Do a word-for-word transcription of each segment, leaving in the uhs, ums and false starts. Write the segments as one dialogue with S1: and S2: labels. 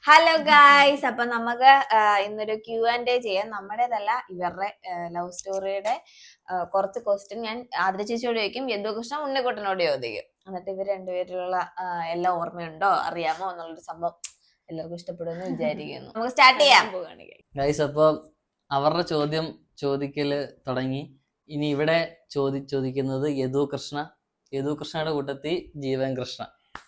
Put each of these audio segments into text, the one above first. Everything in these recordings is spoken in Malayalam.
S1: ഹലോ ഗായ്സ്, അപ്പൊ നമുക്ക് ഇന്നൊരു ക്യൂ ആൻഡ് എ ചെയ്യാം. നമ്മുടേതല്ല, ഇവരുടെ ലവ് സ്റ്റോറിയുടെ കുറച്ച് ക്വസ്റ്റ്യൻ ഞാൻ ആദ്യ ചേച്ചിയോട് ചോദിക്കും, യദുകൃഷ്ണ ഉണ്ണിക്കുട്ടനോട് ചോദിക്കും. എന്നിട്ട് ഇവർ രണ്ടുപേരിലുള്ള എല്ലാം ഓർമ്മയുണ്ടോ, അറിയാമോ എന്നുള്ളൊരു സംഭവം എല്ലാവർക്കും ഇഷ്ടപ്പെടുമെന്ന് വിചാരിക്കുന്നു. നമുക്ക് സ്റ്റാർട്ട് ചെയ്യാം.
S2: ഗൈസ്, അപ്പൊ അവരുടെ ചോദ്യം ചോദിക്കല് തുടങ്ങി. ഇനി ഇവിടെ ചോദി ചോദിക്കുന്നത് യദുകൃഷ്ണ യദുകൃഷ്ണയുടെ കൂട്ടത്തിൽ ജീവൻ കൃഷ്ണ.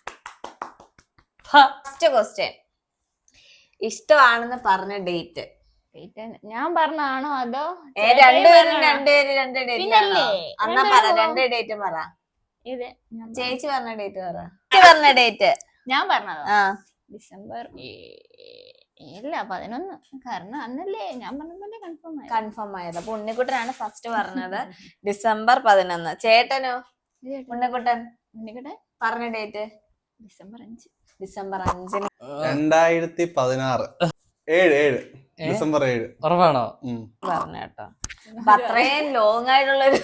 S1: ഫസ്റ്റ് ക്വസ്റ്റ്യൻ, ഇഷ്ടമാണെന്ന് പറഞ്ഞ ഡേറ്റ്
S3: ഞാൻ പറഞ്ഞാണോ അതോ
S1: രണ്ടുപേരും രണ്ടുപേരും രണ്ട് ഡേറ്റ് എന്നാ പറ, രണ്ട് ഡേറ്റ് പറ.
S3: ഇത്
S1: ചേച്ചി പറഞ്ഞ ഡേറ്റ് പറ. ചേച്ചി പറഞ്ഞ ഡേറ്റ്
S3: ഞാൻ പറഞ്ഞതോ
S1: ആ
S3: ഡിസംബർ ഇല്ല പതിനൊന്ന്. കാരണം അന്നല്ലേ ഞാൻ പറഞ്ഞ കൺഫേം ആയി
S1: കൺഫേം ആയത്. അപ്പൊ ഉണ്ണിക്കുട്ടനാണ് ഫസ്റ്റ് പറഞ്ഞത്, ഡിസംബർ പതിനൊന്ന്. ചേട്ടനോ? ഉണ്ണിക്കുട്ടൻ
S3: ഉണ്ണിക്കുട്ടൻ
S1: പറഞ്ഞ ഡേറ്റ്
S3: ഡിസംബർ അഞ്ച്.
S1: ഡിസംബർ അഞ്ചിന്
S4: രണ്ടായിരത്തി പതിനാറ് ഏഴ് ഏഴ് ഡിസംബർ ഏഴ്.
S2: ഉറപ്പാണോ?
S1: പറഞ്ഞ കേട്ടോ. അപ്പൊ അത്രയും ലോങ് ആയിട്ടുള്ളൊരു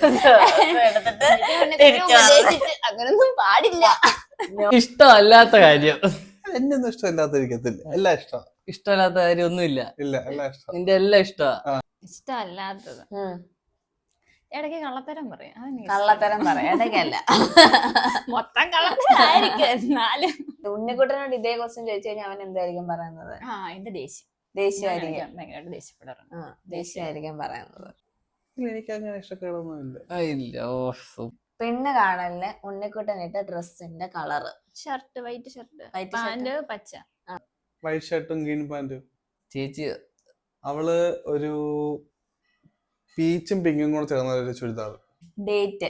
S3: അങ്ങനൊന്നും പാടില്ല.
S2: ഇഷ്ടമല്ലാത്ത കാര്യം
S4: എന്നെ ഒന്നും ഇഷ്ടമില്ലാത്തിരിക്കത്തില്ല, എല്ലാം ഇഷ്ടം.
S2: ഇഷ്ടമല്ലാത്ത കാര്യം ഒന്നുമില്ല.
S4: ഇല്ല, എല്ലാം ഇഷ്ടം.
S2: നിന്റെ എല്ലാം ഇഷ്ടമാ.
S3: ഇഷ്ടമല്ലാത്തത് ഇടയ്ക്ക് കള്ളത്തരം പറയാം.
S1: കള്ളത്തരം പറയാം, ഇടയ്ക്കല്ല
S3: മൊത്തം കള്ളത്തരായിരിക്കും. എന്നാലും
S1: ഉണ്ണിക്കുട്ടനോട് ഇതേ ക്വസ്റ്റ്യൻ ചോദിച്ചു കഴിഞ്ഞാൽ അവൻ എന്തായിരിക്കും പറയുന്നത്?
S3: ആ എന്റെ ദേഷ്യം
S1: ദേഷ്യമായിരിക്കും.
S3: ഭയങ്കരമായിട്ട് ദേഷ്യപ്പെടാറുണ്ട്.
S1: ആ ദേഷ്യമായിരിക്കും പറയുന്നത്.
S4: എനിക്ക് അങ്ങനെ ഇഷ്ടക്കേടൊന്നുമില്ല.
S2: ഇല്ല. ഓ,
S1: പെണ്ണ് കാണലിന് ഉണ്ണിക്കുട്ടൻ ഇട്ട ഡ്രസ്സിന്റെ colour?
S3: Shirt white shirt,
S1: white
S3: pant പച്ച.
S4: വൈറ്റ് ഷർട്ടും ഗ്രീൻ പാന്റും.
S2: ചേച്ചി
S4: അവള് ഒരു പീച്ചും പിങ്കും കൂടെ ചേർന്ന ഒരു ചുരിദാർ.
S1: ഡേറ്റ്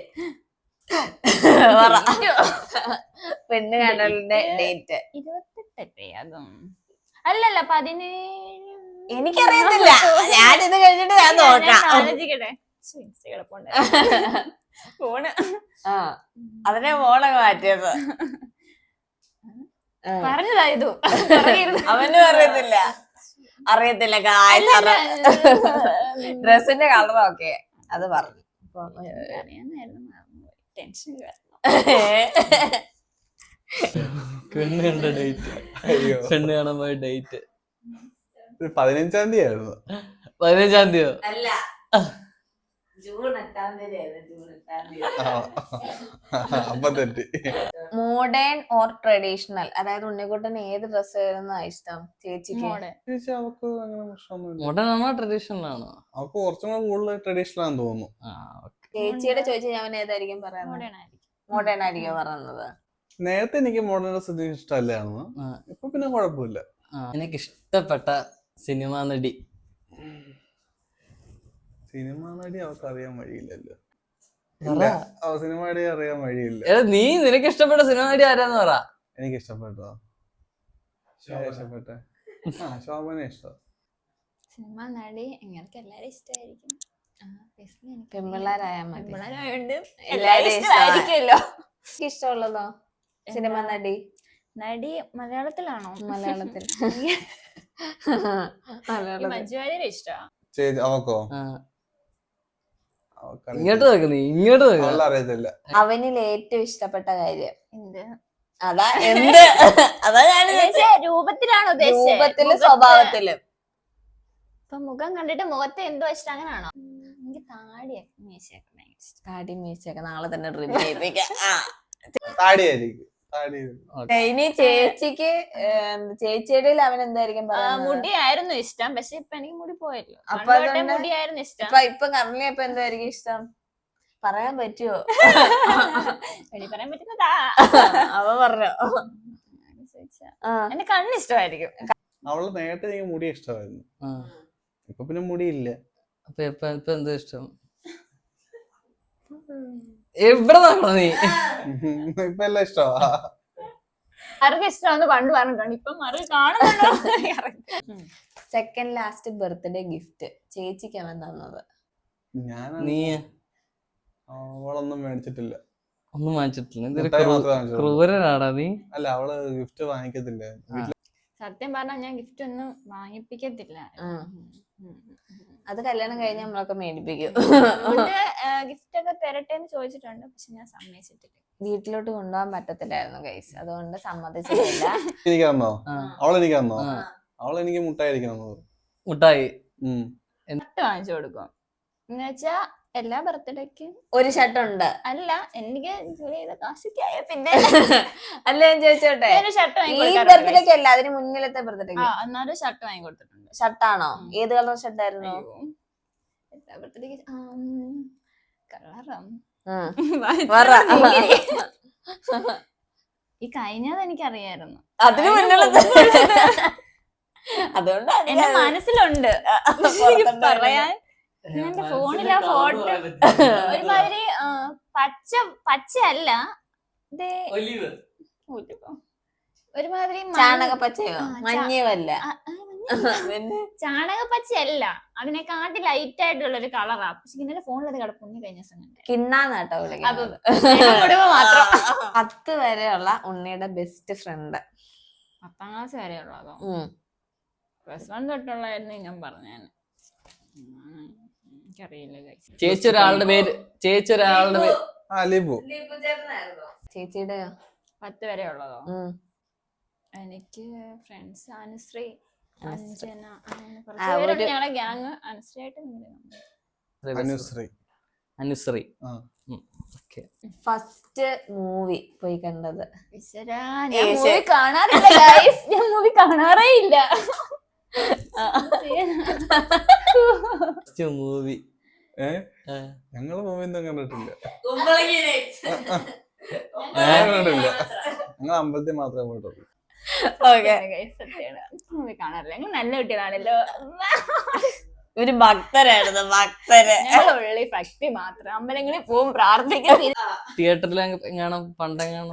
S1: പെണ്ണ് കാണലിന്റെ ഡേറ്റ്
S3: ഇരുപത്തെട്ടല്ലേ? അതും അല്ലല്ല പതിനേഴ്.
S1: എനിക്കറിയത്തില്ല, ഞാനിത് കഴിഞ്ഞിട്ട് ഞാൻ നോക്കാം.
S3: ആലോചിക്കട്ടെ. ഫോണ്
S1: ആ അതിനെ ഫോണൊക്കെ മാറ്റിയത്
S3: പറഞ്ഞതായതു
S1: അവനും അറിയത്തില്ല അറിയത്തില്ല ഡ്രസ്സിന്റെ കളർ ഒക്കെ അത് പറഞ്ഞു.
S3: ടെൻഷൻ
S2: പെണ്ണ് കണ്ട ഡേറ്റ്, പെണ്ണ് കാണാൻ പോയ ഡേറ്റ്
S4: പതിനഞ്ചാം തീയതി ആയിരുന്നു.
S2: പതിനഞ്ചാം തീയതി
S1: അല്ല, ജൂൺ എട്ടാം തീയതി. ജൂൺ എട്ടാം തീയതി.
S4: അപ്പൊ തെറ്റി.
S1: മോഡേൺ ഓർ ട്രഡീഷണൽ, അതായത് ഉണ്ണിക്കുട്ടൻ ഏത് ഡ്രസ് ആയിരുന്നു ഇഷ്ടം ചേച്ചിക്ക്?
S4: ചേച്ചി അവക്ക് അങ്ങനെ പ്രശ്നമൊന്നുമില്ല.
S2: മോഡേൺ ആണോ ട്രഡീഷണൽ ആണോ?
S4: അവക്ക് കുറച്ചും കൂടെ കൂടുതൽ ട്രഡീഷണൽ ആണെന്ന് തോന്നുന്നു.
S1: ചേച്ചിയുടെ ചോദിച്ചാൽ അവൻ ഏതായിരിക്കും പറയുന്നത്? മോഡേൺ ആയിരിക്കും പറയുന്നത്.
S4: നേരത്തെ എനിക്ക് മോഡേൺ ഡ്രസ് ഇഷ്ടമല്ലായിരുന്നു, ഇപ്പൊ പിന്നെ കുഴപ്പമില്ല.
S2: എനിക്ക് ഇഷ്ടപ്പെട്ട സിനിമ നടി?
S4: സിനിമ നടി അവർക്ക് അറിയാൻ വഴിയില്ലല്ലോ. സിനിമ നടി അറിയാൻ വഴിയില്ല.
S2: നീ നിനക്ക് ഇഷ്ടപ്പെട്ട സിനിമ നടി ആരാന്ന് പറ.
S4: എനിക്ക് ഇഷ്ടപ്പെട്ടോ ഇഷ്ടപ്പെട്ടെ ആ ശോഭന ഇഷ്ടം.
S3: സിനിമ നടി എങ്ങൾക്ക് എല്ലാരും ഇഷ്ടമായിരിക്കും.
S1: പെൺപിള്ളേരായാൽ മതി.
S3: പിള്ളേരായോണ്ട്
S1: എല്ലാരും
S3: ഇഷ്ടമായിരിക്കുമല്ലോ.
S1: ഇഷ്ടമുള്ളതോ സിനിമ നടി?
S3: നടി മലയാളത്തിലാണോ?
S1: മലയാളത്തിൽ.
S3: മഞ്ജു വാര്യരെ ഇഷ്ടമാ.
S4: ചേച്ചി അവക്കോ?
S2: ഇങ്ങോട്ട് നോക്ക്, നീ ഇങ്ങോട്ട് നോക്ക്.
S4: അറിയത്തില്ല.
S1: അവനിൽ ഏറ്റവും ഇഷ്ടപ്പെട്ട കാര്യം
S3: എന്ത്?
S1: അതാ എന്ത് അതാ ഞാൻ
S3: രൂപത്തിലാണോ
S1: രൂപത്തിലും സ്വഭാവത്തിലും?
S3: ഇപ്പൊ മുഖം കണ്ടിട്ട് മുഖത്തെ എന്തോ ഇഷ്ടം അങ്ങനാണോ? എനിക്ക് താടിയൊക്കെ മീശയൊക്കെ ഭയങ്കര ഇഷ്ടം.
S1: താടി മീശയൊക്കെ നാളെ തന്നെ ഡ്രിം ചെയ്യിപ്പിക്കാം.
S4: താടിയായിരിക്കും.
S1: ഇനി ചേച്ചിക്ക് ചേച്ചിയുടെ അവൻ എന്തായിരിക്കും പറയുന്നത്?
S3: മുടിയായിരുന്നു ഇഷ്ടം, പക്ഷെ ഇപ്പൊ എനിക്ക് മുടി പോയല്ലോ.
S1: അപ്പൊ
S3: മുടിയായിരുന്നു ഇഷ്ടം.
S1: ഇപ്പൊ ഇപ്പൊ കറലി ഇപ്പൊ എന്തായിരിക്കും ഇഷ്ടം? പറയാൻ പറ്റുമോ?
S3: പറയാൻ പറ്റുന്നതാ.
S1: അവ പറഞ്ഞോ?
S3: എന്റെ കണ്ണ് ഇഷ്ടമായിരിക്കും.
S4: അവള് നേരത്തെ എനിക്ക് മുടി ഇഷ്ടമായിരുന്നു, ഇപ്പൊ പിന്നെ മുടിയില്ല.
S2: അപ്പൊ ഇപ്പൊ ഇപ്പൊ എന്തോ ഇഷ്ടം? എവിടെ നോക്കണോ നീ?
S4: ഇപ്പൊ എല്ലാം ഇഷ്ടമാ.
S3: ആർക്കും ഇഷ്ടമാന്ന് പണ്ട് പറഞ്ഞിട്ടുണ്ട്, ഇപ്പൊ മറി കാണുന്നുണ്ടോ?
S1: സെക്കൻഡ് ലാസ്റ്റ് ബർത്ത്ഡേ ഗിഫ്റ്റ് ചേച്ചിക്ക് അവൻ തന്നത്?
S4: ഞാൻ
S2: നീ
S4: അവളൊന്നും മേടിച്ചിട്ടില്ല.
S2: ഒന്നും വാങ്ങിച്ചിട്ടില്ല. ക്രൂരനാടാ നീ.
S4: അല്ല, അവള് ഗിഫ്റ്റ് വാങ്ങിക്കത്തില്ല.
S3: സത്യം പറഞ്ഞാൽ ഞാൻ ഗിഫ്റ്റ് ഒന്നും വാങ്ങിപ്പിക്കത്തില്ല.
S1: അത് കല്യാണം കഴിഞ്ഞ് നമ്മളൊക്കെ മേടിപ്പിക്കും.
S3: ഗിഫ്റ്റ് ഒക്കെ തരട്ടെ എന്ന് ചോദിച്ചിട്ടുണ്ട്, പക്ഷെ ഞാൻ സമ്മതിച്ചിട്ടില്ല.
S1: വീട്ടിലോട്ട് കൊണ്ടുപോകാൻ പറ്റത്തില്ലായിരുന്നു ഗൈസ്, അതുകൊണ്ട് സമ്മതിച്ചിട്ടില്ല.
S4: എനിക്ക് തന്നോ?
S2: ആ.
S4: അവളെനിക്ക് തന്നോ?
S2: ആ.
S4: അവളെനിക്ക് മുട്ടായിരിക്കണം.
S2: മുട്ടായി
S3: ഷർട്ട് വാങ്ങിച്ചു കൊടുക്കും എന്ന് വെച്ചാ എല്ലാ ബർത്ത്ഡേക്കും
S1: ഒരു ഷർട്ടുണ്ട്.
S3: അല്ല, എനിക്ക് ജോലി ചെയ്ത കാശൊക്കെയായ പിന്നെ
S1: അല്ല ഞാൻ ചോദിച്ചോട്ടെ,
S3: ഒരു ഷർട്ട്
S1: ഈ
S3: വാങ്ങി
S1: ബർത്ത്ഡേക്ക് അല്ല അതിന് മുന്നിലത്തെ ബർത്ത്ഡേക്ക്
S3: എന്നാലും ഷർട്ട് വാങ്ങി കൊടുത്തിട്ടുണ്ട്.
S1: ഷർട്ടാണോ? ഏത് കളർ ഷർട്ടായിരുന്നു?
S3: എല്ലാ ബർത്ത്ഡേക്ക് കളറും ഈ കഴിഞ്ഞത് എനിക്കറിയായിരുന്നു,
S1: അതിന് മുന്നിലത്തെ അതുകൊണ്ട്
S3: എന്റെ മനസ്സിലുണ്ട് പറയാൻ. എന്റെ ഫോണിലെ ഫോട്ടോ ഒരുമാതിരി പച്ച പച്ചയല്ല, ഒരുമാതിരി
S1: ചാണകപ്പച്ചയോ മഞ്ഞയുമല്ല,
S3: ചാണകപ്പച്ചയല്ല, അതിനെക്കാട്ടി ലൈറ്റ് ആയിട്ടുള്ള ഒരു കളറാ. പക്ഷെ ഇന്നലെ ഫോണിലത് കിടപ്പുണ്ണി കഴിഞ്ഞ ദിവസം
S1: കിണ്ണാന്നാട്ടോ വിളിക്കുന്നത്.
S3: മാത്രം
S1: പത്ത് വരെയുള്ള ഉണ്ണിയുടെ ബെസ്റ്റ് ഫ്രണ്ട്.
S3: പത്താം ക്ലാസ് വരെ ഉള്ളതോ? പ്ലസ് വൺ തൊട്ടുള്ളായിരുന്നു ഞാൻ പറഞ്ഞാണ്. എനിക്കറിയില്ല.
S2: ചേച്ചി ഒരാളുടെ പേര് ചേച്ചി ഒരാളുടെ പേര്
S1: ചേച്ചിയുടെ
S3: പത്ത് വരെ ഉള്ളതോ? എനിക്ക് ഫ്രണ്ട്സ് അനുശ്രീ, അഞ്ജന, അങ്ങനെ കുറച്ച് പേരുണ്ട് ഞങ്ങളെ ഗ്യാങ്. അനുശ്രീ ആയിട്ട്
S2: അനുശ്രീ അനുശ്രീ
S1: ഫസ്റ്റ് മൂവി പോയി കണ്ടത്?
S3: ഞാൻ മൂവി കാണാറില്ല ഗൈസ്, ഞാൻ മൂവി കാണാറേ ഇല്ല.
S2: മൂവി
S4: ഞങ്ങള് മൂവി ഒന്നും കണ്ടിട്ടില്ല.
S1: കണ്ടിട്ടില്ല.
S4: ഞങ്ങൾ അമ്പലത്തിൽ മാത്രമേ പോയിട്ടുള്ളൂ.
S3: മൂവി കാണാറില്ല. ഞങ്ങൾ നല്ല കുട്ടികളാണല്ലോ.
S1: ഒരു ഭക്തരായിരുന്നു, ഭക്തര്.
S3: ഉള്ളി ഭക്തി മാത്രം. അമ്പലങ്ങളിൽ പോവും, പ്രാർത്ഥിക്കും.
S2: തിയേറ്ററിൽ എങ്ങാണോ പണ്ടെങ്ങാണോ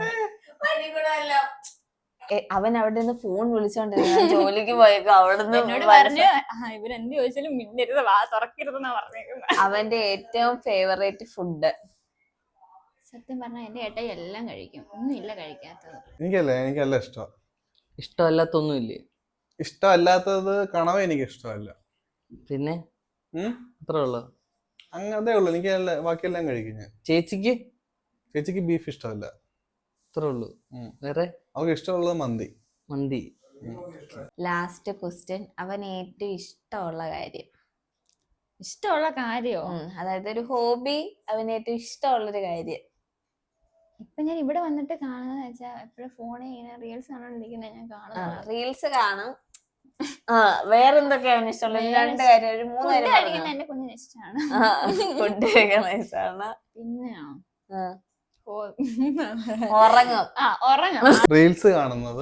S1: അവൻ അവിടെ നിന്ന് ഫോൺ വിളിച്ചോണ്ടിരുന്ന ജോലിക്ക് പോയേക്കും. അവിടെ
S3: എന്നോട് പറഞ്ഞു ഇവരെന്ത് ചോദിച്ചാലും മിണ്ടരുത്, വാ തുറക്കരുതെന്നാ പറഞ്ഞേക്കുന്നത്.
S1: അവന്റെ ഏറ്റവും ഫേവറേറ്റ് ഫുഡ്?
S3: സത്യം പറഞ്ഞാൽ എന്റെ ഏട്ടായി എല്ലാം കഴിക്കും, ഒന്നും ഇല്ല കഴിക്കാത്തത്.
S4: എനിക്കല്ലേ എനിക്കല്ല ഇഷ്ടം.
S2: ഇഷ്ടമല്ലാത്തൊന്നുമില്ലേ?
S4: ഇഷ്ടമല്ലാത്തത് കണവ എനിക്ക് ഇഷ്ടമല്ല.
S2: പിന്നെ അത്രേ ഉള്ളു?
S4: അങ്ങനത്തെ ഉള്ളു. എനിക്ക് ബാക്കിയെല്ലാം കഴിക്കും ഞാൻ.
S2: ചേച്ചിക്ക്?
S4: ചേച്ചിക്ക് ബീഫ് ഇഷ്ടമല്ല.
S2: അത്രേ ഉള്ളു. വേറെ?
S4: അവർക്ക് ഇഷ്ടമുള്ളത് മന്തി.
S2: മന്തി.
S1: ലാസ്റ്റ് ക്വസ്റ്റ്യൻ, അവൻ ഏറ്റവും ഇഷ്ടമുള്ള കാര്യം?
S3: ഇഷ്ടമുള്ള കാര്യോ?
S1: അതായത് ഒരു ഹോബി, അവന് ഏറ്റവും ഇഷ്ടമുള്ളൊരു കാര്യം.
S3: ഇപ്പൊ ഞാൻ ഇവിടെ വന്നിട്ട് കാണുന്നത് വെച്ചാൽ എപ്പോഴും ഫോണിൽ ഇങ്ങനെ റീൽസ് കാണാണ്ടിരിക്കുന്നത് ഞാൻ കാണുന്നത്.
S1: റീൽസ് കാണും. ആ വേറെന്തൊക്കെയാ അവന് ഇഷ്ടമുള്ളത്? രണ്ട് കാര്യം, ഒരു മൂന്ന് കാര്യം.
S3: കഴിക്കുന്നത് എന്റെ കുഞ്ഞിന് ഇഷ്ടമാണ്.
S1: ഫുഡ് കഴിക്കുന്ന ഇഷ്ടമാണ്.
S3: പിന്നെയോ
S1: ഉറങ്ങും.
S3: ആ ഉറങ്ങും.
S4: റീൽസ് കാണുന്നത്,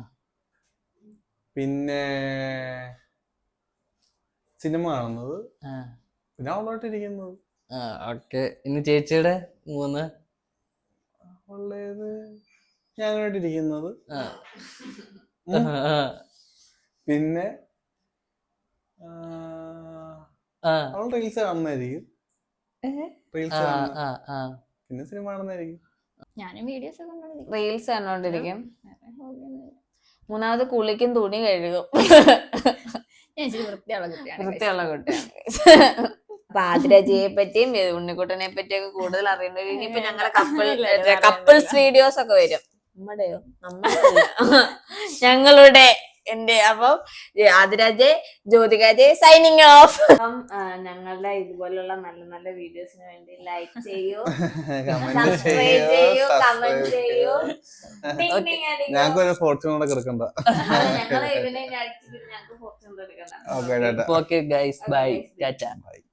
S4: പിന്നെ സിനിമ കാണുന്നത്, പിന്നെ അവളോട്ടിരിക്കുന്നത്.
S2: ഓക്കെ. ഇനി ചേച്ചിയുടെ മൂന്ന്?
S4: ഉള്ളത് ഞാനായിട്ടിരിക്കുന്നത്, പിന്നെ അവൾ റീൽസ് കാണുന്നതായിരിക്കും. റീൽസ് പിന്നെ സിനിമ കാണുന്നതായിരിക്കും.
S3: ഞാനും വീഡിയോസ്
S1: റീൽസ് കണ്ടോണ്ടിരിക്കും. മൂന്നാമത് കുളിക്കും, തുണി കഴുകും.
S3: വൃത്തിയുള്ള കുട്ടിയാണ്.
S1: വൃത്തിയുള്ള കുട്ടിയാണ്. അപ്പൊ ആതിരജിയെ പറ്റിയും ഉണ്ണിക്കുട്ടനെ പറ്റിയൊക്കെ കൂടുതൽ അറിയേണ്ടത് ഇനിയിപ്പോ ഞങ്ങളെ കപ്പിൾ കപ്പിൾസ് വീഡിയോസ് ഒക്കെ വരും. നമ്മുടെയോ? നമ്മുടെ ഞങ്ങളുടെ എന്റെ. അപ്പം ആതിരാജെ, ജ്യോതികാജെ സൈനിങ് ഓഫ്. അപ്പം ഞങ്ങളുടെ ഇതുപോലുള്ള നല്ല നല്ല വീഡിയോസിന് വേണ്ടി ലൈക്ക് ചെയ്യൂ, സബ്സ്ക്രൈബ് ചെയ്യൂ, കമന്റ് ചെയ്യൂ.
S4: ഞങ്ങൾക്കൊരു ഫോർച്യൂൺ കൂടെ കിടക്കണ്ട.
S1: ഞങ്ങളെ ഇതിനെ ഞങ്ങൾക്ക് ഫോർച്യൂൺ എടുക്കണ്ട.
S2: Okay guys, bye, tata.
S4: By.